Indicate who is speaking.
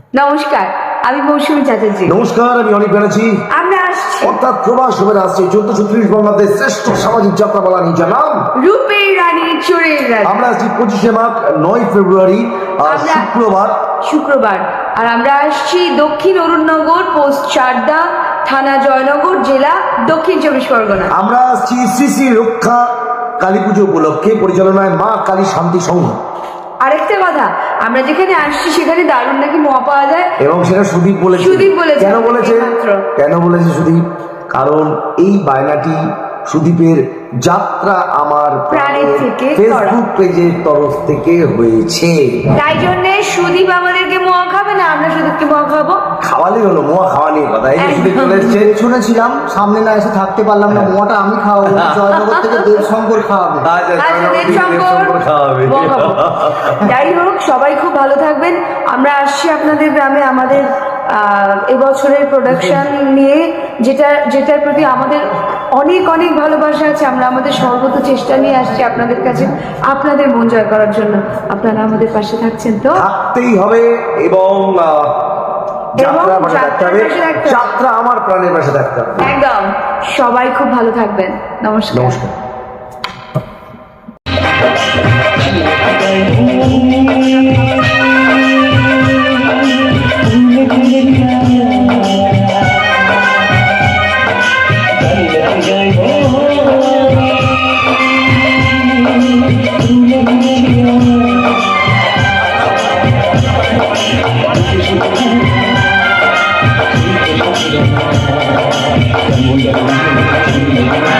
Speaker 1: নমস্কার, আমি মৌসুমী চ্যাটার্জি।
Speaker 2: নমস্কার, আমি অনিক ব্যানার্জি।
Speaker 1: আমরা আসছি
Speaker 2: অর্থাৎ প্রবাস হয়ে আসছে 1436 বঙ্গাব্দের শ্রেষ্ঠ সামাজিক যাত্রাপালা নিজের নাম
Speaker 1: রূপের রানী চোরের রানী।
Speaker 2: আমরা আছি 25শে মার্চ 9 ফেব্রুয়ারি
Speaker 1: শুক্রবার। আর আমরা আসছি দক্ষিণ অরুণনগর, পোস্ট চারদা, থানা জয়নগর, জেলা দক্ষিণ 24 পরগনা।
Speaker 2: আমরা আসছি শ্রী শ্রী রক্ষা কালী পুজো উপলক্ষে, পরিচালনায় মা কালী শান্তি সংঘ।
Speaker 1: আরেকটা কথা, আমরা যেখানে আসছি সেখানে দারুণ নাকি মোয়া পাওয়া যায়,
Speaker 2: এবং সেটা সুদীপ বলেছে। কেন বলেছে সুদীপ? কারণ এই বায়নাটি সুদীপের যাত্রা আমার
Speaker 1: প্রাণের থেকে
Speaker 2: ফেসবুক পেজের তরফ থেকে হয়েছে।
Speaker 1: তাই জন্য সুদীপ আমাদেরকে মোয়া খাবে না, আমরা সুদীপকে মোয়া খাবো।
Speaker 2: খাওয়ালেই হলো, মোয়া খাওয়া নিয়ে কথা। এই যে সুদীপ চলে এসছে,
Speaker 3: শুনেছিলাম, সামনে না এসে থাকতে পারলাম না, মোয়াটা আমি খাওয়াবো, জয়নগর থেকে দেবশঙ্কর খাওয়াবে।
Speaker 1: দেবশঙ্কর
Speaker 2: খাওয়াবে।
Speaker 1: যাই হোক, সবাই খুব ভালো থাকবেন। আমরা আসছি আপনাদের গ্রামে আমাদের এবছরের প্রোডাকশন নিয়ে, যেটার প্রতি আমাদের অনেক অনেক ভালোবাসা আছে। আমরা আমাদের সর্বত চেষ্টা নিয়ে আসছি আপনাদের কাছে, আপনাদের মন জয় করার জন্য। আপনারা আমাদের পাশে থাকছেন তো?
Speaker 2: থাকতেই হবে। এবং যাত্রা আমার প্রাণের পাশে থাকতে হবে।
Speaker 1: একদম। সবাই খুব ভালো থাকবেন। নমস্কার।
Speaker 2: নমস্কার।
Speaker 4: Thank you.